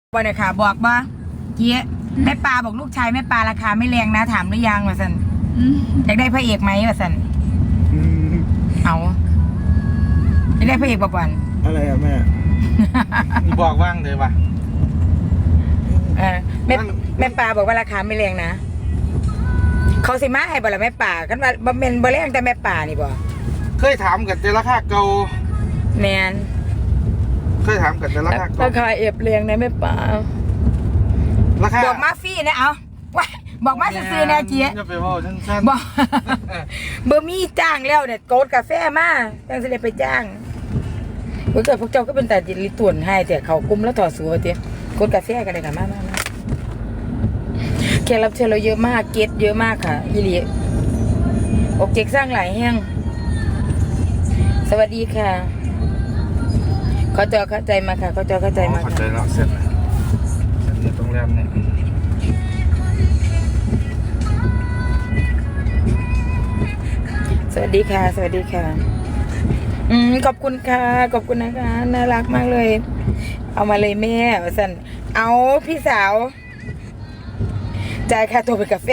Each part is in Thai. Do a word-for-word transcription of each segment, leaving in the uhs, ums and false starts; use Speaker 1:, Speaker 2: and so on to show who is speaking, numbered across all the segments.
Speaker 1: บ่เนี่ยค่ะบอกบ่เกี้ยแม่ปลาบอกลูกชายแม่ปลาราคาไม่แรงนะถามหรือยังวะสันอยากได้พระเอกไหมวะสันเอาอยากได้พระเอกบ่อน
Speaker 2: อะไรอะแม่
Speaker 3: บอกว่างเลยว่ะ
Speaker 1: เออแม่แม่ปลาบอกว่าราคาไม่แรงนะเขาสิมาให้บ่ละแม่ปลากันว่าบ่แม่นบ่แรงแต่แม่ปลานี่บ่
Speaker 3: เคยถามกันแต่ราคาเก่า
Speaker 1: แมน
Speaker 3: เคยถามกันแต่ราคาเก่า
Speaker 1: ราคาเอฟแรงนะแม่ปลา
Speaker 3: ราคา
Speaker 1: บอกมาฟรีนะเอาว่าบอกมาซื้อๆนะเกี้ย
Speaker 3: จะไปว่าสั้น
Speaker 1: ๆบอกเบอร์มี่จ้างแล้วเนี่ยโกดกาแฟมาจังสิได้ไปจ้างเกิดพวกเจ้าก็เป็นแต่ดิลิตุนให้แต่เขากุมแล้วถอดสูบเตี้ยโกดกาแฟกันเลยค่ะมามามาแขกรับเชิญเราเยอะมากเกตเยอะมากค่ะยี่หลีโอเคสร้างหลายแห้งสวัสดีค่ะเขาจอเข้าใจมาค่ะเขาจอเข้าใจมา
Speaker 3: เข้าใจแล้วเสร็จแล้วเสร็จเนี่ยตรงแรมเนี่ย
Speaker 1: สวัสดีค่ะสวัสดีค่ะอืมขอบคุณค่ะขอบคุณนะคะน่ารักมากเลยเอามาเลยแม่สันเอาพี่สาวจ่ายค่าตัวเป็นกาแฟ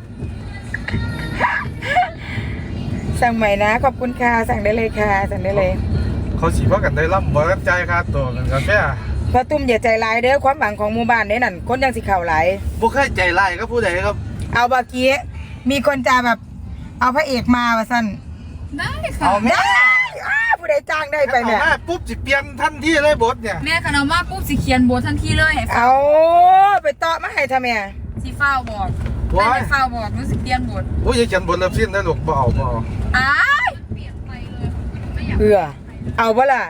Speaker 1: สั่งใหม่นะขอบคุณค่ะสั่งได้เลยค่ะสั่งได้เลย
Speaker 3: เขาสีว่ากันได้ร่ำบ่รับใจค่าตัวกันกาแฟ
Speaker 1: พระตุ้มอย่าใจร้ายเด้อความหวังของหมู่บ้านเนี่ยนั่นคนยังสิเข่าไหล
Speaker 3: บุคคลใจร้ายก็ผู้ใดครับ
Speaker 1: เอาบากี้มีคนจะแบบเอาพระเอกมาว่าสัน
Speaker 4: ได้ค่ะ
Speaker 3: เอาแม่
Speaker 1: ผู้ใดจ้างได้ไปเนี่ย
Speaker 3: ปุ๊บสิเปลี่ยนทันทีเลยบทเนี่ย
Speaker 4: แม่ขนมมาปุ๊บสิเขียนบททันทีเลย
Speaker 1: เอาไปต่อมาให้ทำไม
Speaker 4: สิฟ้าบอกไม่ได้ฟ้าบอกรู้สึกเปลี่ยนบท
Speaker 3: โอ้ยเขียนบทเริ่มสิ้นได้หรอกบ่เอาบ่เอา
Speaker 4: อ้ายเปลี่ยนไปเลย
Speaker 1: เอือเอาบ่ล่ะ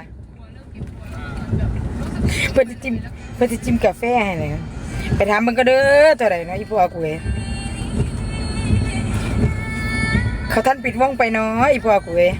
Speaker 1: เพื่อจะจิ้มเพื่อจะจิ้มกาแฟให้เลยไปถามมันก็เด้อเท่าไหร่นะอีพ่อกูเองเขาท่านปิดว่องไปเนาะอีพ่อกูเอง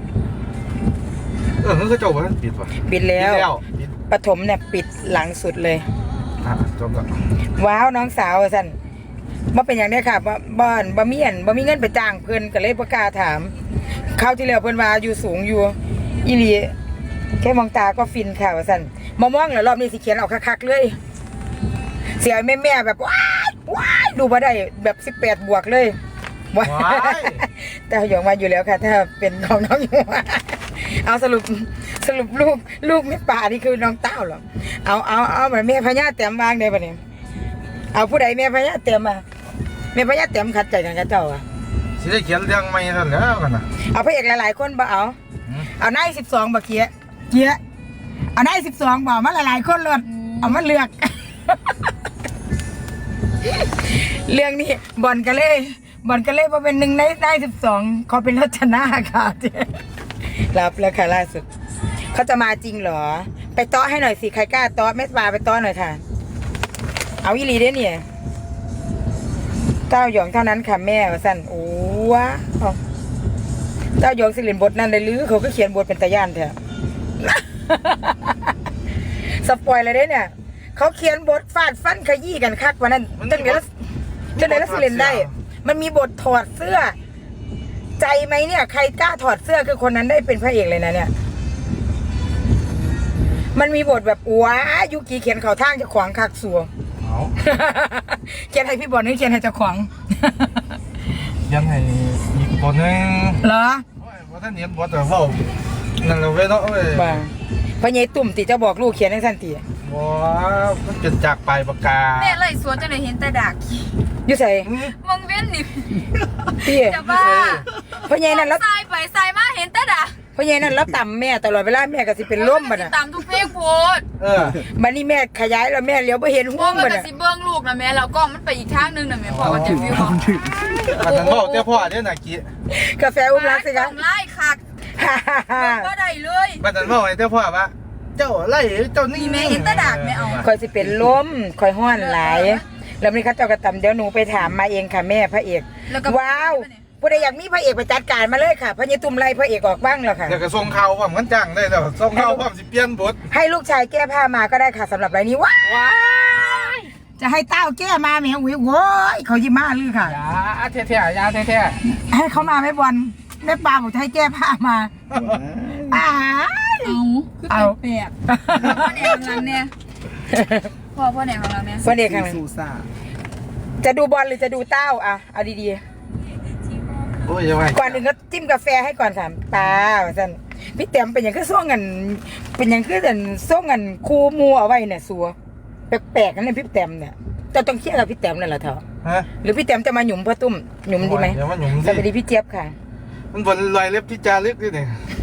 Speaker 3: เออเขาจบว่าปิดป่ะ
Speaker 1: ปิดแล้วปฐมเนี่ยปิดหลังสุดเลย
Speaker 3: อ่ะจบแล้ว
Speaker 1: ว้าวน้องสาวสันว่าเป็นอย่างนี้ค่ะว่าบ้านบ่มีเงินบ่มีเงินไปจ้างเพื่อนก็เลยประกาศถามเข้าที่แล้วเพื่อนว่าอยู่สูงอยู่อีหลีแค่มองตาก็ฟินค่ะสันมามองแล้วรอบนี้สิเขียนออกคักๆเลยเสียแม่แม่แบบว้ายว้ายดูมาได้แบบสิบแปดบวกเลยว้ายแต่หยองมาอยู่แล้วค่ะถ้าเป็นของน้องอยู่เอาสรุปสรุปลูกลูกแม่ป่านี่คือน้องเต้าหรอเอาเอาเอาเหมือนแม่พญาเต็มวางเลยปะเนี่ยเอาผู้ใดแม่พญาเต็มมาแม่พญาเต็มขัดใจกันกับเจ้าอ่ะ
Speaker 3: สิได้เขียนเรื่องใหม่ท่านแล้วกันนะ
Speaker 1: เอาพระเอกหลายๆคนบ่เอาเอานายสิบสองบ่เกี้ยเกี้ยเอานายสิบสองบ่มาหลายๆคนเลยเอามาเลือกเรื่องนี้บอลกันเลยบอลกันเลยมาเป็นหนึ่งในได้สิบสองเขาเป็นรัชนาค่ะรับแล้วค่ะล่าสุดเขาจะมาจริงเหรอไปต้อให้หน่อยสิใครกล้าต้อแม่ปลาไปต้อหน่อยค่ะเอาอีหลีได้เนี่ยเต้าหยองเท่านั้นค่ะแม่สั่นโอ้ว้าเต้าหยองสิเรียนบทนั่นเลยหรือเขาก็เขียนบทเป็นตาย่านแท้สปอยเลยได้เนี่ยเขาเขียนบทฟาดฟันขยี้กันคักวันนั้นจังเดี๋ยวจังเดี๋ยวสิเรียนได้มันมีบทถอดเสื้อใจไหมเนี่ยใครกล้าถอดเสื้อคือคนนั้นได้เป็นพระเอกเลยนะเนี่ยมันมีบทแบบว้ายุกีเขียนเขาทางจะขวางคักสัวเขียนให้พี่บอลนี่เขียนให้เจ้าของ
Speaker 3: ยังให้อีกคนนึง
Speaker 1: เหรอ
Speaker 3: ว่าท่านเห็นบทแต่ว่านั่นเราเว้ยเนาะเว้ย
Speaker 1: บ้าพระเยตุ่มติจะบอกลูกเขียนให้สั้นตี
Speaker 3: ว้าวมันเป็นจากปลายปากกา
Speaker 4: แม่เลยสวนจะได้เห็นแต่ดัก
Speaker 1: อยู่ใส่
Speaker 4: มองเว้นนี่
Speaker 1: พี่
Speaker 4: จะบ้า
Speaker 1: พระเยนั่นแล้ว
Speaker 4: ใส่ไปใส่มาเห็นแต่ดัก
Speaker 1: พราะยัยนั่นแล้วต่ำแม่ตลอดเวลาแม่ก็สิเป็นล้มบัดน่ะ
Speaker 4: ต่ำทุกเพลงโพด
Speaker 3: เออ
Speaker 1: บัดนี้แม่ขยายแล้วแม่เลี้ยวไปเห็นห้วงบัดน่ะ
Speaker 4: สิเบิ้งลูกนะแม่แล้วก็มันไปอีกทางนึงนะแม่พ่อก็จะวิว
Speaker 3: อันนั้นพ่อเจ้าพ่อเนี่ยนะกี้
Speaker 1: กาแฟอุ้มรักสิคะ
Speaker 4: ไล่คักก็ได้เลย
Speaker 3: บัดนั้นพ่อไอ้เจ้าพ่อปะเจ้าไล่เจ้านี่
Speaker 4: แม่เห็นแต่ดักไม่เอา
Speaker 1: คอยสิเป็นล้มคอยห้อนหลายแล้วนี่เขาเจ้ากระตำเดี๋ยวหนูไปถามมาเองค่ะแม่พระเอกว้าวผู้ใดอยากมีพระเอกไปจัดการมาเลยค่ะพระยตุ่มไล่พระเอกออกบ้างแล้วค่ะ
Speaker 3: เดี๋ยวก็ส่งข่าวว่ามันจ้างได้แล้วส่งข่าวว่าสิเปลี่ยนบท
Speaker 1: ให้ลูกชายแก้ผ้ามาก็ได้ค่ะสำหรับรายนี้ว้ายจะให้เต้าแก้มาแม่วิวโว้ยเขายิ้มมาลือค่ะ
Speaker 3: ยาเท่ๆยาเท่
Speaker 1: ๆให้เขามาไม่บอลแม่ปลาบอกจะให้แก้ผ้ามา
Speaker 4: อ้าเอาเอาแปลกเนี่ยพ่อพ่อไหนของเราเนี่ย
Speaker 1: เฟิร์นเอกข้างหลัง
Speaker 3: ซูซ่า
Speaker 1: จะดูบอลหรือจะดูเต้าอ่ะเอาดี
Speaker 3: โอ้ยยังไง
Speaker 1: ๆก่อนอื่นก็จิ้มกาแฟให้ก่อนค่ะตาสันพี่แต้มเป็นอย่างคือส่งเงินเป็นอย่างคือแต่ส่งเงินคู่มูเอาไว้เนี่ยสัวแปลกๆนั่นเลยพี่แต้มเนี่ยจะต้องเครียดกับพี่แต้มนั่นแหละเถอะ
Speaker 3: ฮะ
Speaker 1: หรือพี่แต้มจะมาหยุมพ่อตุ้มหยุมดีไหม
Speaker 3: เดี๋ยวมันหยุ่ม
Speaker 1: สวัส
Speaker 3: ดิ
Speaker 1: ดีพี่เจี๊ยบค่ะ
Speaker 3: มันบนรอยเล็บที่จารึกด้วยเนี่ย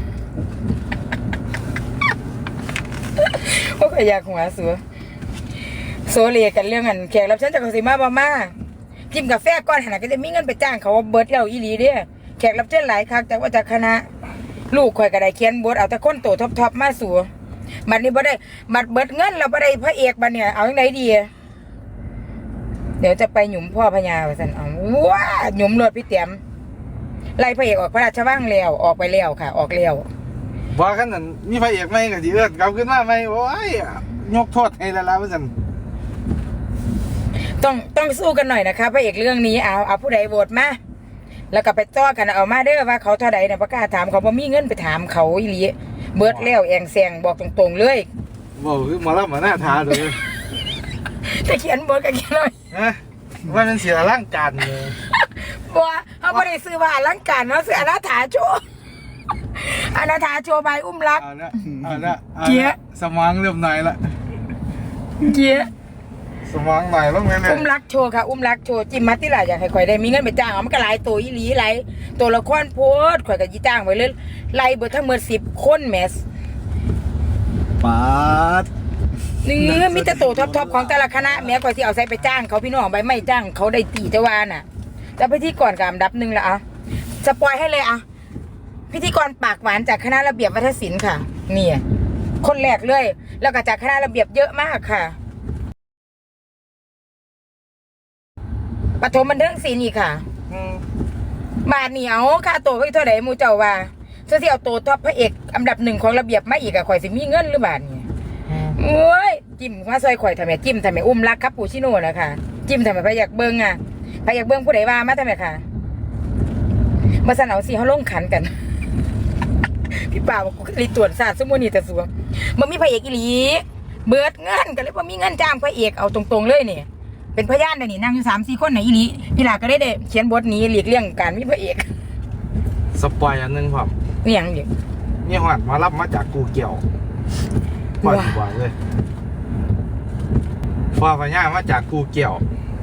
Speaker 1: โอ้ยอยากหัวสัวโซเลียกันเรื่องอันแขกรับเชิญจากเกษตรมาบามาจิ้มกาแฟก้อนขนาดก็จะมีเงินไปจ้างเขาเบิร์ดเราอีหลีเด้แขกรับเชิญหลายครั้งจากว่าจากคณะ ลูกข่อยก็ได้เขียนบทเอาแต่คนโตท็อปๆมาสัวบัดนี้บ่ได้บัดเบิดเงินเราบ่ได้พระเอกบัดเนี่ยเอาจังไดดีเดี๋ยวจะไปหยุมพ่อพญาว่าซั่นเอาว้าหยุมรถพี่เตรียมไล่พระเอกออกพระราชวังแล้วออกไปแล้วค่ะ ออกแล้ว
Speaker 3: บอกกันนั่นมีพระเอกไหมกับจีเอิร์ดกลับขึ้นมาไหมโอ้ยยกโทษให้ละละว่าสัน
Speaker 1: ต้องต้องสู้กันหน่อยนะคะพระเอกเรื่องนี้เอาเอาผู้ใดโหวตมาแล้วก็ไปต้อกันเอามาเด้อว่าเขาเท่าใดเนี่ยประกล้าศถามเขาบ่มีเงินไปถามเขาอีหลีเบิดแล้วแองแซงบอกตรงๆเลย
Speaker 3: บอกคือหมาลับมาหน้าท้าเลย
Speaker 1: แต่เขียนบทก็เขียนเลย
Speaker 3: นะว่ามันเสียร่างการเลย
Speaker 1: ว่าเขาไม่ได้ซื้อว่าอลังการเนาะซื้ออนาถาโชว์อนาถาโชว์ใบอุ้มรัก
Speaker 3: เอาละเอาละอาละ
Speaker 1: เจี๊ยะ
Speaker 3: สมองเริ่มหน่อยละ
Speaker 1: เกี้ย
Speaker 3: สมองหน่อยลงเลยเลย
Speaker 1: อุ้มรักโชว์ค่ะอุ้มรักโชว์จิมมัตติล่ะอยากให้ข่อยได้มีเงินไปจ้างเอามันก็หลายตัวอีหลีหลายตัวละครโพสต์ข่อยก็ยีจ้างไว้เลยไล่เบิดทั้งหมดสิบคนแมส
Speaker 3: ปาด
Speaker 1: นี่มีแต่ตัวท็อปๆของแต่ละคณะแม้ข่อยที่เอาใส่ไปจ้างเขาพี่น้องใบไม่จ้างเขาได้ตีแต่ว่าน่ะแต่พิธีกรกับอันดับหนึ่งละอ่ะสปอยให้เลยอ่ะพิธีกรปากหวานจากคณะระเบียบวัฒนศิลป์ค่ะนี่คนแรกเลย แล้วก็จากคณะระเบียบเยอะมากค่ะปฐมบันเทิงศิลป์อีกค่ะ
Speaker 3: อืม
Speaker 1: บาทเหนียวค่าตัวไว้เท่าไหร่มูเจ้าว่าเสื้อที่เอาตัวท็อปพระเอกอันดับหนึ่งของระเบียบมาอีกอะข่อยสิมีเงินหรือบาทนี่
Speaker 3: อืม
Speaker 1: โอ้ยจิ้มมาซอยข่อยทำไมจิ้มทำไมอุ้มรักครับปูชิโน่นะคะจิ้มทำไมพระอยากเบิ้งอะพระอยากเบิ้งผู้ใดว่ามาทำไมค่ะมาสนเอาสิเขาลงขันกัน พี่ป่าวบอกกูรีตรวจศาสตร์สมุนีแต่สัวมันมีพระเอกอีหลีเบิดเงินกันเลยว่ามีเงินจ้างพระเอกเอาตรงๆเลยนี่เป็นพยานเดี๋ยวนี้นั่งอยู่สามสี่คนไหนอีหลีพี่หลาก็ได้เด้เขียนบทนี้หลีกเลี่ยงการมีพระเอก
Speaker 3: สปอยอันหนึงผม
Speaker 1: นี่ยังเดียว
Speaker 3: นี่หอดมารับมาจากกูเกี่ยวปล่อยบ่อยเลยฟอพญามาจากกูเกี่ยว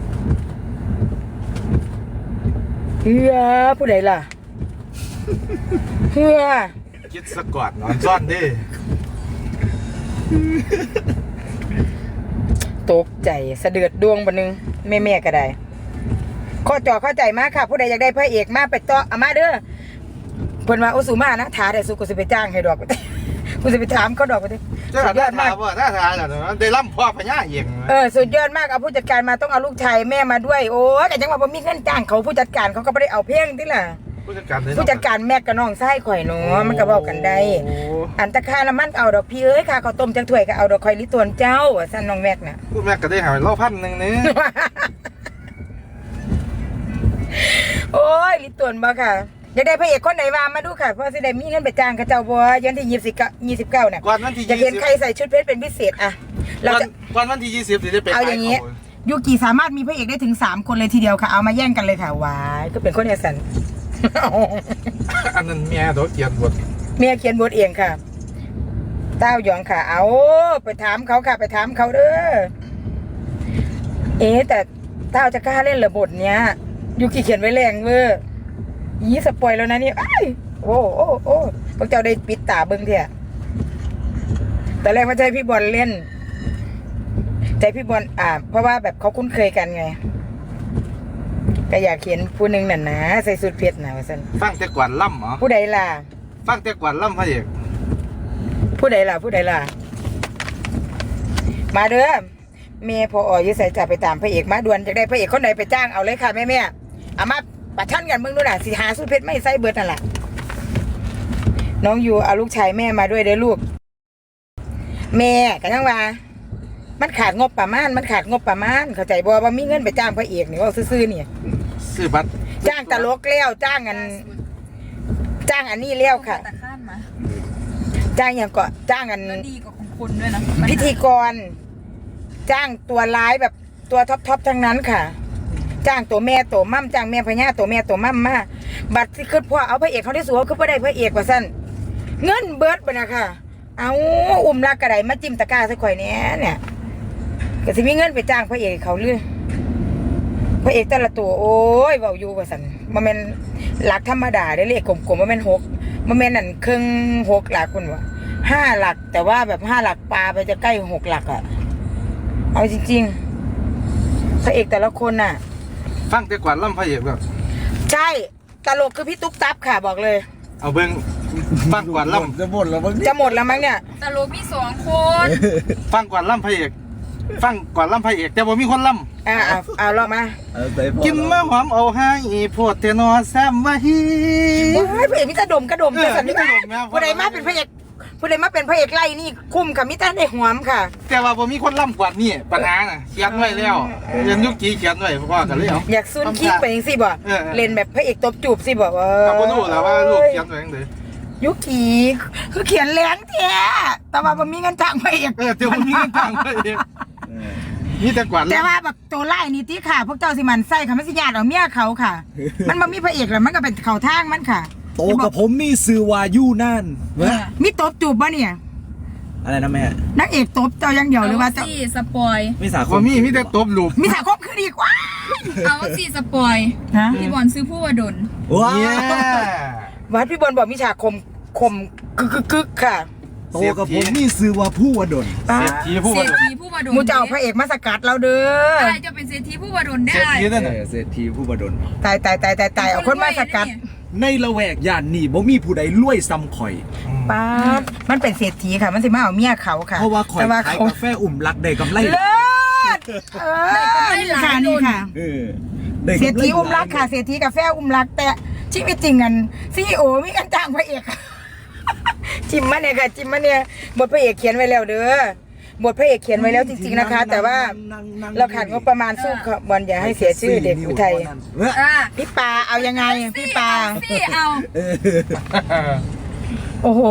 Speaker 1: เฮือผู้ใดล่ะเฮือ
Speaker 3: คิดสะกอดนอนซ่อนดิ
Speaker 1: ตกใจสะเดือดดวงบันนึงแม่แม่ๆก็ได้ข้อจอเข้าใจมากค่ะผู้ใดอยากได้พระเอกมาไปต่อเอามาเด้อเพิ่นว่าโอสุมานะถาได้สุกูสิไปจ้างให้ดอก กูสิไปถามเขาดอกไปดิ
Speaker 3: เจ้า
Speaker 1: สุด
Speaker 3: ห
Speaker 1: ย
Speaker 3: น้า
Speaker 1: อด
Speaker 3: ทาม
Speaker 1: าก
Speaker 3: ว่าหน้าทาแล้วได้ล่ำพ่อพญาเอง
Speaker 1: เออสุดยอดมากเอาผู้จัดการมาต้องเอาลูกชายแม่มาด้วยโอ้ยแต่จังหวะบ่มีเงินจ้างเขาผู้จัดการเขาก็ไม่ได้เอาเพ่งที่ล่ะ
Speaker 3: ผู้จัดการเลย
Speaker 1: ผู้จัดการแม่กับน้องไส้ข่อยเนาะมันก็บอกกันได้
Speaker 3: โอ้
Speaker 1: อันตะคาละมันเอาดอกพี่เอ้ยค่ะข้าวต้มจังถ้วยก็เอาดอกคอยลิตวนเจ้าสั่นน้องแม็กน่ะ
Speaker 3: พูดแม่ก็ได้หายเล่าพันหนึ่งนี่
Speaker 1: โอ้ยลิตวนบ่ค่ะอยากได้พระเอกคนไหนว่ามาดูค่ะเพราะสิได้มีเงินไปจ้างเขาเจ้าบ่ยันที่ยี่สิบเก้ายี่สิบเก้าเนี่ย
Speaker 3: ก่อนวันที่
Speaker 1: จะ
Speaker 3: ยี่
Speaker 1: เห็น
Speaker 3: สิบ
Speaker 1: ใครใส่ชุดเพชรเป็นพิเศษอ่ะเรา
Speaker 3: ก่อน
Speaker 1: จะ
Speaker 3: ก่อนวันที่ยี่สิบจะได้ไป
Speaker 1: เอาอย่างนี้ ยูกิสามารถมีพระเอกได้ถึงสามคนเลยทีเดียวค่ะเอามาแย่งกันเลยค่ะวายก็เป็นคนเอสัน
Speaker 3: อันนั้นเมียตัวเกียนบท
Speaker 1: เมียเขียนบทเองค่ะเต้าหยองค่ะ เอาไปถามเขาค่ะ ไปถามเขาเด้อเอ๊ะแต่เต้าจะกล้าเล่นเหรอบทเนี้ยยูกิเขียนไว้แรงเวอร์ยี่สปอยแล้วนะนี่อ้ายโอ้โอ้โอ้พวกเจ้าได้ปิดตาเบิ้งเถอะแต่แรกว่าใจพี่บอลเล่น ใจพี่บอลอ่า เพราะว่าแบบเขาคุ้นเคยกันไงก็อยากเขียนผู้หนึ่งน่ะนะใส่สูทเพชรนะว่าสัน
Speaker 3: ฟังแต่กวนล่ำเหรอ
Speaker 1: ผู้ใดล่ะ
Speaker 3: ฟังแต่กวนล่ำพระเอก
Speaker 1: ผู้ใดล่ะ ผู้ใดล่ะ มาเด้อเมย์พออยุใส่จะไปตามพระเอกมาด่วนจะได้พระเอกคนไหนไปจ้างเอาเลยค่ะแม่แม่เอามาประชันกันเมื่อนู่นน่ะสิหาสูทเพชรไม่ใส่เบิร์ดนั่นแหละน้องอยู่เอาลูกชายแม่มาด้วยเด้อลูกแม่กันยังว่ามันขาดงบประมาณมันขาดงบประมาณเข้าใจบ่ว่ามีเงินไปจ้างพระเอกนี่ว่าซื่อๆนี่
Speaker 3: ซื้อบัตร
Speaker 1: จ้างตลกแล้วจ้างอันจ้างอันนี้แล้วค่ะ
Speaker 4: แต่ข้ามมา
Speaker 1: จ้างอย่างก็จ้างอัน
Speaker 4: แล้วดีกว่าของคุณด้วยนะ
Speaker 1: พิธีกรจ้างตัวร้ายแบบตัวท็อปท็อปทั้งนั้นค่ะ จ้างตัวแม่ตัวมั่มจ้างแม่พญาตัวแม่ตัวมั่มมาบัตรที่ขึ้นพ่อเอาพระเอกเขาได้สูงคือพ่ได้พระเอกว่าสั้นเงินเบิร์ดไปนะค่ะเอาอุ้มลากกระไดมาจิ้มตะกร้าสักข่อยเนี้ยเนี่ยก็สิมีเงินไปจ้างพระเอกเขาเลยพระเอกแต่ละตัวโอ้ยเบาอยู่ว่าสั้นมันเป็นหลักธรรมดาได้เลขกลมๆมันเป็นหกมันเป็นนั่นครึ่งหกหลักคุณวะห้าหลักแต่ว่าแบบห้าหลักปลาไปจะใกล้หกหลักอะเอาจริงๆพระเอกแต่ละคนน่ะ
Speaker 3: ฟังแต่กว่าล่ำพระเอกแบบ
Speaker 1: ใช่ตลกคือพี่ตุ๊กตับค่ะบอกเลย
Speaker 3: เอาเบิ่งฟังกว่าล่ำ
Speaker 2: จะหมดแล้วมั้ง
Speaker 1: จะหมดแล้วมั้งเนี่ย
Speaker 4: ตลกมีสองคน
Speaker 3: ฟังกว่าล่ำพระเอกฟังกว่าล่ำพระเอกแต่บ่มีคนล่ำ
Speaker 1: อ่าเอาเอาลองมา
Speaker 2: เอาใส่พอ
Speaker 3: กินมะหอมเอาให้พวดเทนอแซมวะฮี
Speaker 1: โอ้ยพระเอกมิตรดมกระดม
Speaker 3: เออ
Speaker 1: แต่สันนิษฐาน
Speaker 3: มิตรดมนะ
Speaker 1: ผู้ใดมาเป็นพระเอกผู้ใดมาเป็นพระเอกไล่นี่คุ้มค่ะมิตรได้หวมค่ะ
Speaker 3: แต่ว่าบ่มีคนล่ำกว่านี่ปัญหาน่ะเขียนไว้แล้วเรียนยุคกี้เขียนไว้พ่อกันเลยเอา
Speaker 1: อยากซุนคิกไปยังสิบ่
Speaker 3: เออเออ
Speaker 1: เล่นแบบพระเอกตบจูบสิบ่ว่า
Speaker 3: กับบ่รู้แล้วว่าลูกเขียนไว้จังได๋
Speaker 1: ยุกีคือเขียนแรงแท้แต่ว่าบ่มีเงินจ้างพระเอก
Speaker 3: เออแต่บ่มีเงินทางพระเอก
Speaker 2: เออ
Speaker 3: มีแต่กว่า
Speaker 1: แต่
Speaker 3: ล่ำ
Speaker 1: ว่าแบบตัวไล่นี่ติค่ะ พวกเจ้าสิมันใส่ค่ะมันสิญาติเอาเมียเขาค่ะ มันบ่มีพระเอกแล้วมันก็เป็นเขาทางมันค่ะ
Speaker 2: โตกับผมนี่ซื้อวายูนั่นเว้ย
Speaker 1: มีตบจูบบ่เนี่ย
Speaker 2: อะไรนะแม่
Speaker 1: นางเอกตบเจ้าอย่างเดียวหรือว่าเจ้า
Speaker 4: เสี่สปอย
Speaker 2: ไม่สาค
Speaker 3: บ่
Speaker 2: ม
Speaker 3: มีมีแต่ตบลูก
Speaker 1: มีสาคมคือดีกว่า
Speaker 4: เอาสี่สปอย
Speaker 1: ฮะ
Speaker 4: พี่บอลซื้อผู้วดล
Speaker 2: ว้า
Speaker 3: เนี่ย
Speaker 1: วัดพี่บอลบอกมิฉาคมคมกึกกึกกึกค่ะ
Speaker 2: โตกับผมนี่ซื้อว่าผู้วดล
Speaker 3: เศรษฐีผู้
Speaker 4: เศร
Speaker 3: ว่า
Speaker 4: ษฐีผู้วดล
Speaker 1: มูจะเอาพระเอกมาสกัดเราเด้อ
Speaker 4: ใครจะเป็นเศรษฐีผู้วดลได้
Speaker 3: เศรษฐีนั่น
Speaker 2: เอ
Speaker 3: น่ะ
Speaker 2: อเศรษฐีผู้วดล
Speaker 1: ตายตายตายตายตายเอาคนมาสกัด
Speaker 2: ในละแวกย่านนี่บ่มีผู้ใดรวยซ้ำข่อย
Speaker 1: ป้าดมันเป็นเศรษฐีค่ะ มันสิมาเอาเมียเขาค่ะ
Speaker 2: เพราะว่าข่อย
Speaker 1: แต่ว่า
Speaker 2: ขาย
Speaker 1: เขา
Speaker 2: กาแฟอุ่มรักได้กำไร
Speaker 1: เลิศเออนี่ค่ะนี่ค่ะ
Speaker 2: เออได้
Speaker 1: เศรษ
Speaker 2: กำไร
Speaker 1: ฐีอุ้มรักค่ะเศรษฐีกาแฟอุ้มรัก แต่ชีวิตจริงกันซีโอมีกันจ้างพระเอกค่ะจิมมาเนี่ยค่ะจิมมาเนี่ยบทพระเอกเขียนไว้แล้วเด้อบทพระเอกเขียนไว้แล้วจริงๆนะคะ แต่ว่าเราขาดงบประมาณสู้กับบอลอย่าให้เสียชื่อเด็กอุทัย
Speaker 2: เว้ย
Speaker 4: อ่ะ
Speaker 1: พี่ปาเอายังไงพี่ปา
Speaker 4: สี่เอา
Speaker 2: เออ
Speaker 1: โอ้โห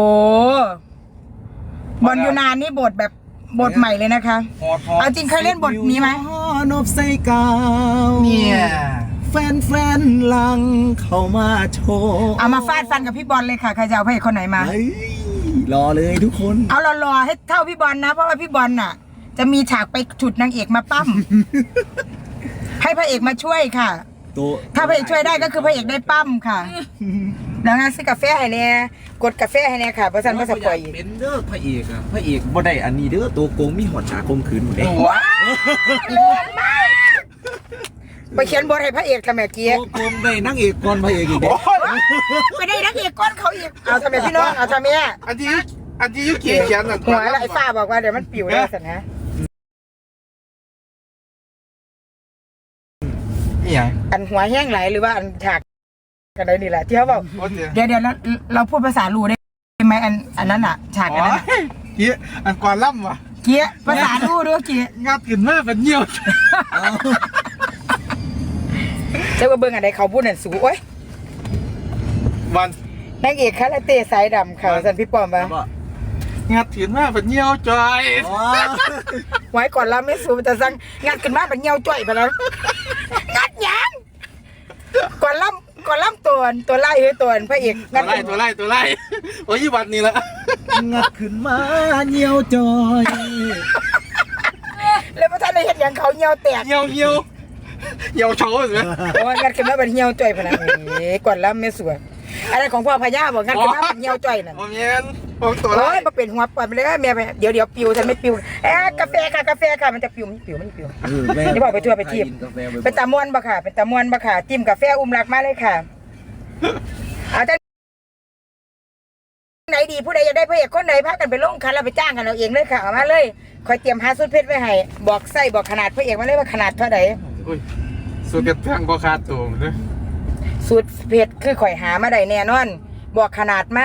Speaker 1: บอลยูนานนี่บทแบบบทใหม่เลยนะคะ
Speaker 3: ฮอดฮอด
Speaker 1: เอาจริงเคยเล่นบทนี้ไหม
Speaker 2: นบใส่กาว
Speaker 3: เนี่ย
Speaker 2: แฟนแฟนๆหลังเข้ามาโชว์
Speaker 1: เอามาฟาดฟันกับพี่บอลเลยค่ะใครจะเอาพระเอกคนไหนมา
Speaker 2: เฮ้ยรอเลยทุกคน
Speaker 1: เอารอๆให้เท่าพี่บอลนะ เพราะว่าพี่บอลน่ะ จะมีฉากไปฉุดนางเอกมาปั้ม ให้พระเอกมาช่วยค่ะ
Speaker 2: ตัว
Speaker 1: ถ้าพระเอกช่วยได้ก็คือพระเอกได้ปั้มค่ะแล้วงั้นซื้อกาแฟให้เนี่ยกดกาแฟให้เนี่ยค่ะเพราะฉันก็สปอยอีก
Speaker 2: เป็นเด้อพระเอกอะพระเอกบ่ได้อันนี้เด้อตัวโกงมีหอดฉากคมขืนหมดเด้
Speaker 1: ว้าวเลิศมากไปเขียนบทให้พระเอกทำไมเกี้ย
Speaker 2: ตัวโกงได้นางเอกก่อนพระเอกอีกเด้
Speaker 3: โอ้ย
Speaker 1: ไปได้นักเอกก้อนเขาอีกเอาทำไมพี่น้องเอาทำไมอ่ะ
Speaker 3: อันที่อันที่ยุคกี้เขียนน่ะ
Speaker 1: หัวแล้วไอ้ฝ้าบอกว่าเดี๋ยวมันปิวได้สินะ
Speaker 3: นี่หยัง
Speaker 1: อันหัวแห้งไหลหรือว่าอันฉากกันได้นี่แหละที่เขาบอก
Speaker 3: โอ้เดี๋ยว
Speaker 1: เดี๋ยวเดี๋ยวเราเราพูดภาษาลูได้ไหมอันอันนั้นอ่ะฉากอันนั้นอะ
Speaker 3: โอ้ยเกี้ยอันก่อนล่ำว่ะ
Speaker 1: เกี้ยภาษาลูด้วยเกี้ย
Speaker 3: งัดขึ้นมาเป็นเหี่ยว
Speaker 1: เจ้าว่าเบิ้งอะไรเขาพูดนั่นสูโอ้ย
Speaker 3: วัน
Speaker 1: นางเอกคาราเต้สายดำค่ะสันพี่ปอมปะ
Speaker 3: งัดขึ้นมาเป็นเหี่ยวจอย
Speaker 1: ไว้ก่อนเราไม่สูแต่สั่งงัดขึ้นมาเป็นเงี้ยวจ่อยไปแล้วงัดหยังก่อนล่ำก่อนล่ำตัวตัวไล่เฮ้ยตัวพระเอก
Speaker 3: ตั
Speaker 1: งั
Speaker 3: ว
Speaker 1: ด
Speaker 3: ไล่ตัวไล่ตัวไล่โอ้ยวันนี้ละ
Speaker 2: งัดขึ้นมาเหี่ยวจอย
Speaker 1: แล้วพระท่านได้เห็นอย่างเขาเงี้ยวแตก
Speaker 3: เหี่ยวเหี่ยวเหี่ยวโชว์สิ
Speaker 1: โอ้ยงัดขึ้นมาเป็นเงี้ยวจ่อยพะนะเอ้ยก่อนล่ำไม่สวยอะไรของพ่อพญาบอกงัดขึ้นมาเป็นเงี้ยวจ่อยน่ะ
Speaker 3: ผมเย็นผมตัว
Speaker 1: โอ้
Speaker 3: ไล่
Speaker 1: ยมาเป็นหัวปล่อยไปเลยแม่ไปเดี๋ยวเดี๋ยวปิวฉันไม่ปิวเอ๊ะกาแฟค่ะกาแฟค่ะมันจะปิวมันปิวมันปิว
Speaker 2: เออแม่
Speaker 1: นี่บอกไปทั่วไปทีบ
Speaker 2: กินกาแฟบ่อยๆ
Speaker 1: เป็นตามวนบะค่ะ เป็นตามวนบะค่ะจิ้มกาแฟอุ้มรักมาเลยค่ะเอาแต่ไหนดีผู้ใดอยากได้พระเอกคนไหนพากันไปลงคันแล้วไปจ้างกันเอาเองเลยค่ะเอามาเลยคอยเตรียมหาสุดเพชรไว้ให้บอกไส้บอกขนาดพระเอกมาเลยว่าขนาดเท่าไหร่
Speaker 3: อุ้ยสุดกระทั่งก็ขาดตัวเลย
Speaker 1: สูตรเพชรคือข่อยหามาได้แน่นอน บอกขนาดมา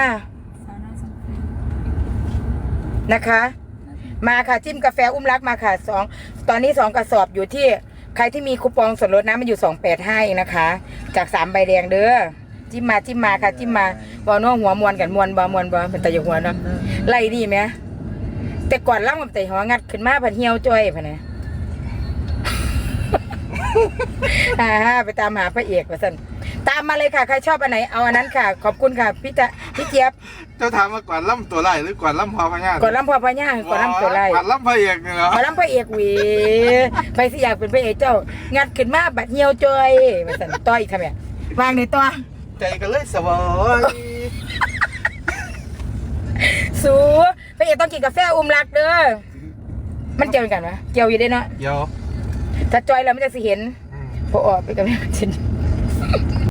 Speaker 1: นะคะ มาค่ะจิ้มกาแฟอุ้มรักมาค่ะสองตอนนี้สองกระสอบอยู่ที่ใครที่มีคูปองส่วนลดนะมันอยู่สองแปดห้าเองนะคะ จากสามใบแดงเด้อจิ้มมาจิ้มมาค่ะจิ้มมาบอน้องหัวมวนกันมวนบอมวนบอเป็นตะยหัวเนาะไล่ดีไหมแต่ก่อนล่ำกับแต่หัวงัดขึ้นมาพันเหี่ยวจ้อยพันนะฮ่าฮ่าไปตามหาพระเอกว่าซั่นตามมาเลยค่ะใครชอบอันไหนเอาอันนั้นค่ะ ขอบคุณค่ะพี่จะพี่เจี๊ยบ
Speaker 3: เจ้าถามมาก่อนล่ำตัวไล่หรือก่อนล่ำพอพญา
Speaker 1: ก่อนลำพอพญาก่อนลำตัวไร
Speaker 3: ก่อนล่ำพระเอกนี่เนาะ
Speaker 1: ก่อนลำพระเอกหวีไปสิอยากเป็นพระเอกเจ้างัดขึ้นมาบัดเหี่ยวจอยว่าซั่นต่ออีกค่ะแม่วางในต่อ
Speaker 3: ใจก็เลยสวอย
Speaker 1: สูพระเอกต้องกินกาแฟอุ้มรักเด้อมันเกี่ยวกันวะเกี่ยวอยู่ได้เนาะ
Speaker 3: เดี๋ยว
Speaker 1: ถ้าจอยแล้วมันจะสิเห็น
Speaker 3: อืม
Speaker 1: พอออกไปกับแม่จิน